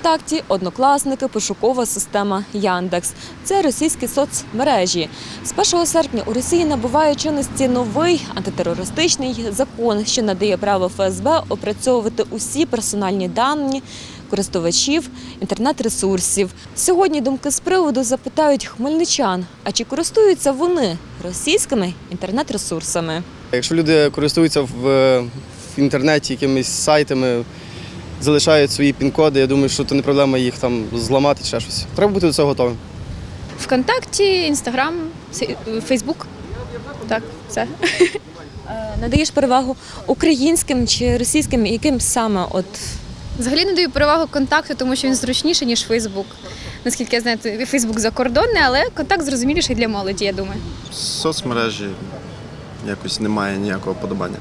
ВКонтакті, Однокласники, пошукова система Яндекс. Це російські соцмережі. З 1 серпня у Росії набуває чинності новий антитерористичний закон, що надає право ФСБ опрацьовувати усі персональні дані користувачів інтернет-ресурсів. Сьогодні думки з приводу запитають хмельничан, а чи користуються вони російськими інтернет-ресурсами? Якщо люди користуються в інтернеті якимись сайтами, залишають свої пін-коди, я думаю, що це не проблема їх там зламати чи ще щось. Треба бути до цього готовим. ВКонтакті, Інстаграм, Фейсбук. Так, все. Надаєш перевагу українським чи російським, яким саме Взагалі не даю перевагу контакту, тому що він зручніший, ніж Фейсбук. Наскільки я знаю, Фейсбук закордонний, але контакт зрозуміліший для молоді, я думаю. Соцмережі якось немає ніякого подобання.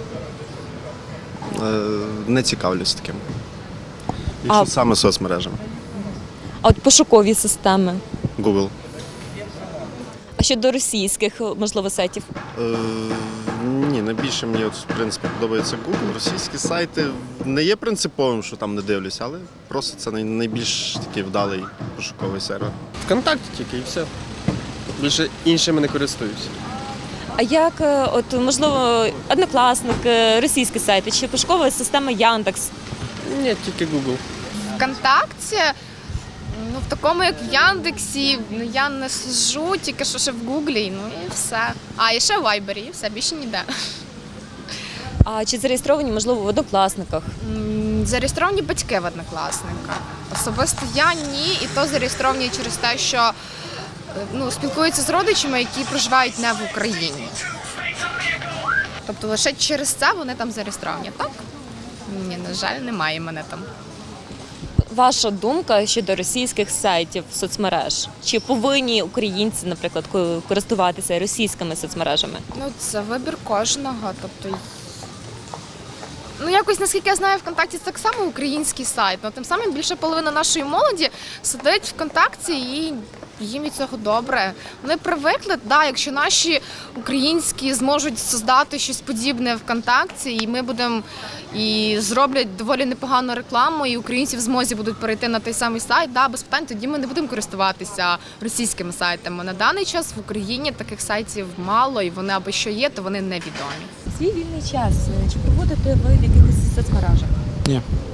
Не цікавлюсь таким. Якщо саме соцмережами. А от пошукові системи? Google. А щодо російських, можливо, сайтів? Ні, найбільше мені в принципі подобається Google. Російські сайти не є принциповим, що там не дивлюсь, але просто це найбільш такий вдалий пошуковий сервер. ВКонтакті тільки і все. Більше іншими не користуюся. А як, можливо, Однокласники, російські сайти чи пошукова система Яндекс? Ні, тільки Google. ВКонтакті, в такому, як в Яндексі, я не сиджу, тільки що ще в Гуглі, і все. І ще в Вайбері, і все, більше ніде. А чи зареєстровані, можливо, в Однокласниках? Зареєстровані батьки в Однокласниках. Особисто я ні, і то зареєстровані через те, що спілкуються з родичами, які проживають не в Україні. Тобто лише через це вони там зареєстровані, так? Ні, на жаль, немає мене там. Ваша думка щодо російських сайтів, соцмереж? Чи повинні українці, наприклад, користуватися російськими соцмережами? Це вибір кожного. Тобто, якось, наскільки я знаю, ВКонтакті це так само український сайт. Тим самим більше половина нашої молоді сидить ВКонтакті і їм від цього добре. Вони привикли, якщо наші українські зможуть создати щось подібне ВКонтакті, і ми будемо і зроблять доволі непогану рекламу, і українці в змозі будуть перейти на той самий сайт, без питань, тоді ми не будемо користуватися російськими сайтами. На даний час в Україні таких сайтів мало, і вони або що є, то вони невідомі. Свій вільний час чи проводите ви в якихось соцмережах? Ні.